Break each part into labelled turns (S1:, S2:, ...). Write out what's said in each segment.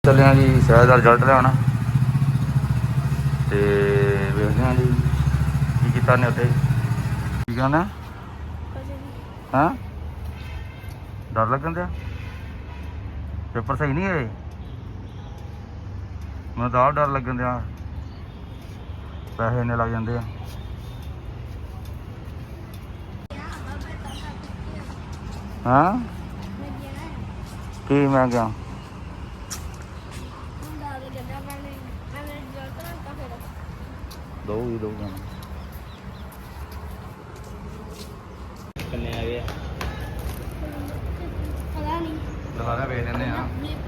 S1: ਚੱਲੇ ਹਾਂ ਜੀ ਸ਼ਾਇਦ ਦਾ ਰਿਜ਼ਲਟ ਲਿਆਉਣ ਤੇ ਵੇਖਦੇ ਹਾਂ ਜੀ ਕੀ ਕੀਤਾ ਨੇ ਉੱਥੇ। ਕੀ ਕਹਿੰਦਾ ਹਾਂ ਡਰ ਲੱਗਣ ਦਿਆ ਪੇਪਰ ਸਹੀ ਨਹੀਂ ਹੋਏ। ਮੈਨੂੰ ਤਾਂ ਆਪ ਡਰ ਲੱਗਣ ਦਿਆ ਪੈਸੇ ਇੰਨੇ ਲੱਗ ਜਾਂਦੇ ਆ। ਹਾਂ ਕੀ ਮੈਂ ਗਿਆ ਦਊਗੀ ਦਊਗਾ
S2: ਕਿੰਨੇ ਆ ਗਏ
S3: ਪਤਾ ਨਹੀਂ
S1: ਦੁਬਾਰਾ ਵੇਚ ਦਿੰਦੇ ਆ।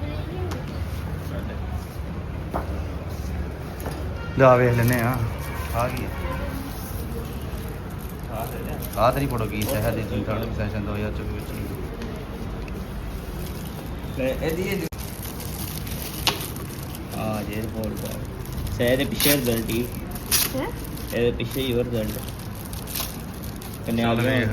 S1: ਜਾ ਵੇਖ ਲੈਨੇ ਆ ਆ ਗਈ ਆ ਤੇਰੀ ਫੋਟੋ ਕੀ ਸ਼ਹਿਰ ਦੀ ਤੁਸੀਂ ਥਰਡ ਸੈਸ਼ਨ 2024 ਵਿੱਚ
S2: ਇਹਦੀ ਆ ਜੇ ਰਿਪੋਰਟ ਕਰ ਸਹਿ ਦੇ ਪਿੱਛੇ ਰਿਜ਼ਲਟ ਹੀ
S3: ਹੈ
S2: ਇਹਦੇ ਪਿੱਛੇ ਹੀ ਹੋਰ ਰਿਜ਼ਲਟ ਕਿੰਨੇ ਆ ਗਏ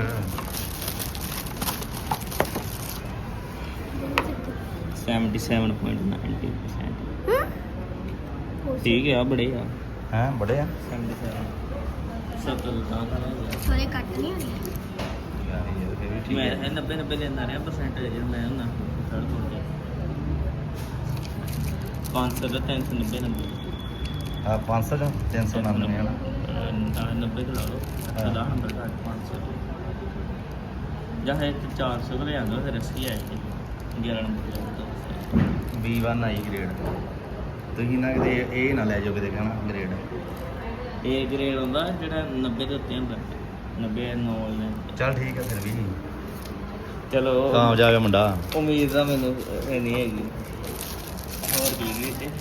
S2: 77.90% ਠੀਕ ਹੈ ਬੜੇ ਆ
S1: ਹੈ ਬੜੇ ਆ
S2: 77 70 ਤਾਂ
S3: ਥੋੜੇ ਕੱਟ ਨਹੀਂ ਹੋਣੀ
S2: ਮੈਂ 90 ਲੈਂਦਾ ਰਿਹਾ ਪਰਸੈਂਟੇਜ ਮੈਂ ਹੁੰਦਾ ਥਰਡ ਕੋਲ 500 ਦਾ 390 ਨੰਬਰ
S1: ਆ 500 ਦਾ 399 ਹੈ ਨਾ
S2: 90 ਤੇ ਲਾ ਲਓ 10 ਨੰਬਰ ਘੱਟ 500 ਜਾਂ ਹੈ 400 ਕੋਲ ਆਉਂਦਾ ਫਿਰ ਅਸੀਂ ਆਏ ਸੀ 11 ਨੰਬਰ
S1: B1 ਆਈ ਗ੍ਰੇਡ ਤੁਸੀਂ ਨਾ ਕਿਤੇ ਇਹ ਨਾ ਲੈ ਜਾਓ ਕਿਤੇ ਕਹਿਣਾ ਗ੍ਰੇਡ
S2: ਇਹ ਗ੍ਰੇਡ ਹੁੰਦਾ ਜਿਹੜਾ 90 ਦੇ ਉੱਤੇ ਹੁੰਦਾ 90 9 ਨੇ
S1: ਚੱਲ ਠੀਕ ਹੈ ਫਿਰ ਵੀ
S2: ਚਲੋ
S1: ਕਾਮਯਾਬ ਮੁੰਡਾ
S2: ਉਮੀਦ ਤਾਂ ਮੈਨੂੰ ਨਹੀਂ ਹੈਗੀ ਹੋਰ ਕੀ ਗਈ ਤੇ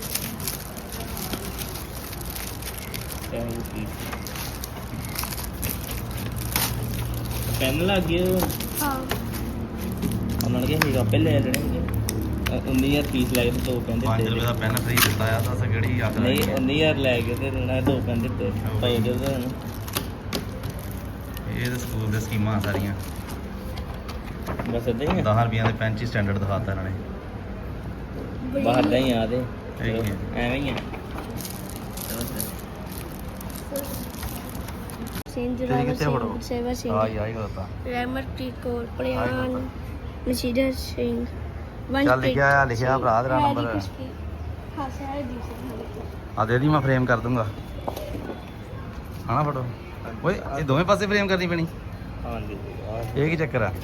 S2: ਪੈਨ ਲੱਗ ਗਿਆ
S3: ਹਾਂ
S2: ਉਹਨਾਂ ਨੇ ਕਿਹਾ ਸੀਗਾ ਪਹਿਲੇ ਲੈਣੇ ਸੀਗੇ 19000 ਫੀਸ ਲੈ ਕੇ ਤੇ 2 ਪੈਨ
S1: 5
S2: ਦਿੱਤੇ
S1: ਰੁਪਏ ਦਾ ਪੈਨ ਫ੍ਰੀ ਦਿੱਤਾ ਆ ਦੱਸ ਕਿਹੜੀ ਆਖ
S2: ਨਹੀਂ 19000 ਲੈ ਕੇ ਤੇ ਉਹਨਾਂ 2 ਪੈਨ ਦਿੱਤੇ ਭਾਈ ਦੇ
S1: ਇਹ ਤਾਂ ਸਕੂਲ ਦੇ ਸਕੀਮਾਂ ਸਾਰੀਆਂ
S2: ਬਸ ਏਦਾਂ ਹੀ ਆ
S1: 10 ਰੁਪਈਆਂ ਦੇ ਪੈਨ ਚ ਸਟੈਂਡਰਡ ਦਿਖਾਤਾ ਇਹਨਾਂ ਨੇ
S2: ਬਾਹਰ ਦਾ ਹੀ ਆ ਤੇ
S1: ਠੀਕ ਹੈ।
S2: ਐਵੇਂ ਹੀ ਆ
S3: ਸਿੰਘ
S1: ਤੇਰੀ
S3: ਜਰਾਵਰ
S1: ਕਿੱਥੇ ਫੋਟੋ
S3: ਸਿੰਘ ਸੇਵਾ ਸਿੰਘ
S1: ਆਈ ਕਰਤਾ
S3: ਰਹਿਮਤ ਕੌਰ ਪ੍ਰਿਆਨ ਨਸ਼ੀਦਰ ਸਿੰਘ
S1: ਚੱਲ ਲਿਖਿਆ ਆ ਲਿਖਿਆ ਭਰਾ ਤੇਰਾ ਨੰਬਰ
S3: ਹਾਂ ਸਾਰੇ ਦੀ ਸਿੰਘ
S1: ਆ ਦੇ ਦੀ ਮੈਂ ਫਰੇਮ ਕਰ ਦੂੰਗਾ ਹਣਾ ਫੋਟੋ ਓਏ ਇਹ ਦੋਵੇਂ ਪਾਸੇ ਫਰੇਮ ਕਰਨੀ ਪੈਣੀ
S2: ਹਾਂਜੀ
S1: ਇਹ ਕੀ ਚੱਕਰ ਆ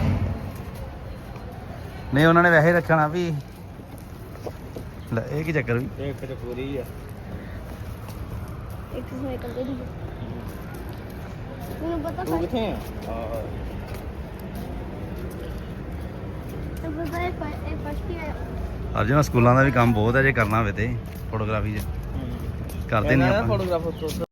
S1: ਨਹੀਂ ਉਹਨਾਂ ਨੇ ਵੈਸੇ ਰੱਖਣਾ ਵੀ ਲੈ ਇਹ ਕੀ ਚੱਕਰ ਵੀ
S2: ਇਹ ਫਿਰ ਪੂਰੀ ਆ
S3: ਇੱਕ ਸਾਈਕਲ ਦੇ ਦੀ ਮੈਨੂੰ ਪਤਾ
S2: ਤੂੰ ਕਿੱਥੇ ਆ
S3: ਇਹ ਫਸਟ ਹੀ
S1: ਅਰਜਨ ਸਕੂਲਾਂ ਦਾ ਵੀ ਕੰਮ ਬਹੁਤ ਹੈ ਜੇ ਕਰਨਾ ਹੋਵੇ ਤੇ ਫੋਟੋਗ੍ਰਾਫੀ 'ਚ ਕਰਦੇ ਨਹੀਂ ਆਪਾਂ
S2: ਫੋਟੋਗ੍ਰਾਫਰ